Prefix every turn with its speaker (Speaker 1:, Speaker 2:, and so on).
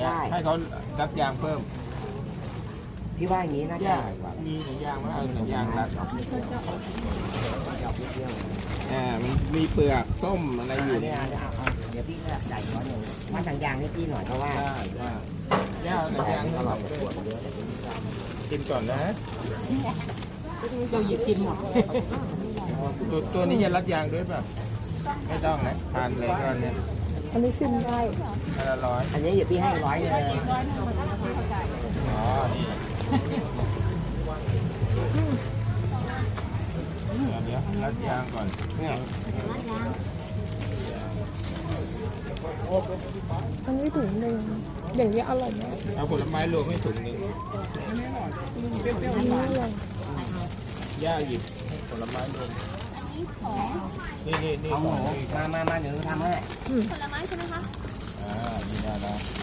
Speaker 1: ได้
Speaker 2: ให้เขารัดยางเพิ่ม
Speaker 1: พี่ว่าอย่างนี้น่าจะ
Speaker 2: ยางมีหนังยางไหมเอาหนังยางรัดมันมีเปลือกส้มอะไรอยู่
Speaker 1: เนี่ยเดี๋ยวพี่ก็จ่าย100มาทางยางให้พี่หน่อยเพราะว่า
Speaker 2: ได้ย่าหนังยางให้เรากินก่อนนะ
Speaker 3: เราหยิบกินหมด
Speaker 2: ตัวนี้จะรัดยางด้วยป่ะไม่ต้องนะทานเลยก็เนี่ย
Speaker 3: อันนี้ชิมได้
Speaker 2: อันละร้อย
Speaker 1: อันนี้เดี๋ยวพี่ให้100เลย
Speaker 2: อ๋อนี่เดี๋ยวรัดยางก่อนเนี่ย
Speaker 3: อันนี้ถุงหนึ่งอย่างนี้อร่อยไหม
Speaker 2: เอาผลไม้รวมให้ถุงหนึง
Speaker 3: อันนี้อร่อย
Speaker 2: ย่าหยิบผลไม้รวมนี่
Speaker 1: เอาห
Speaker 2: ข
Speaker 1: มู
Speaker 2: องนี่
Speaker 1: มาเดี๋ยวทำให้
Speaker 4: ผลไม้ใช่ไหมคะ
Speaker 2: นี่ได้แล้ว